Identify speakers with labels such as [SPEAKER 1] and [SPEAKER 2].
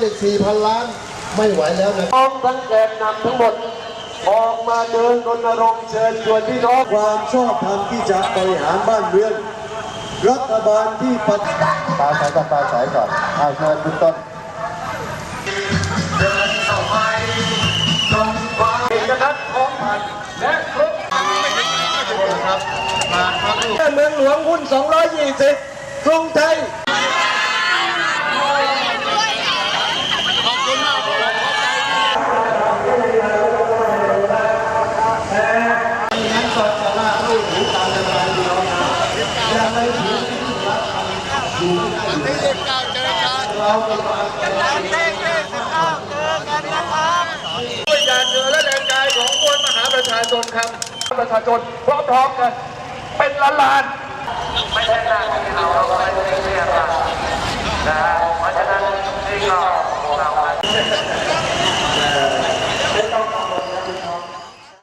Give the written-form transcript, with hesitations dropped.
[SPEAKER 1] อีก 4,000 ล้านไม่ไหวแล้วนะ
[SPEAKER 2] พร้อมทั้งแกนนำทั้งหมดออกมาเดินรณรงค์เชิญชวนพี่น้อง
[SPEAKER 1] ความชอบธรรมที่จะบริหารบ้านเมืองรัฐบาลที่ปฏิบัติปลาสายกับปลาสายก่อนเอาเชิญคุณต้น
[SPEAKER 2] เดินต่อไปตรงความเอกนัทท้องพันและครบครับเมืองหลวงหุ้น220กรุงไทย
[SPEAKER 3] เราจะมา
[SPEAKER 2] ด้วยยานเรือและแรงกายของมวลมหาประชาชนครับประชาชนพร้อมๆกันเป็นล้านๆไม่ใช่หน้าที่เราไม่ได้เรียกนะเพราะฉะนั้นนี่ก็เรา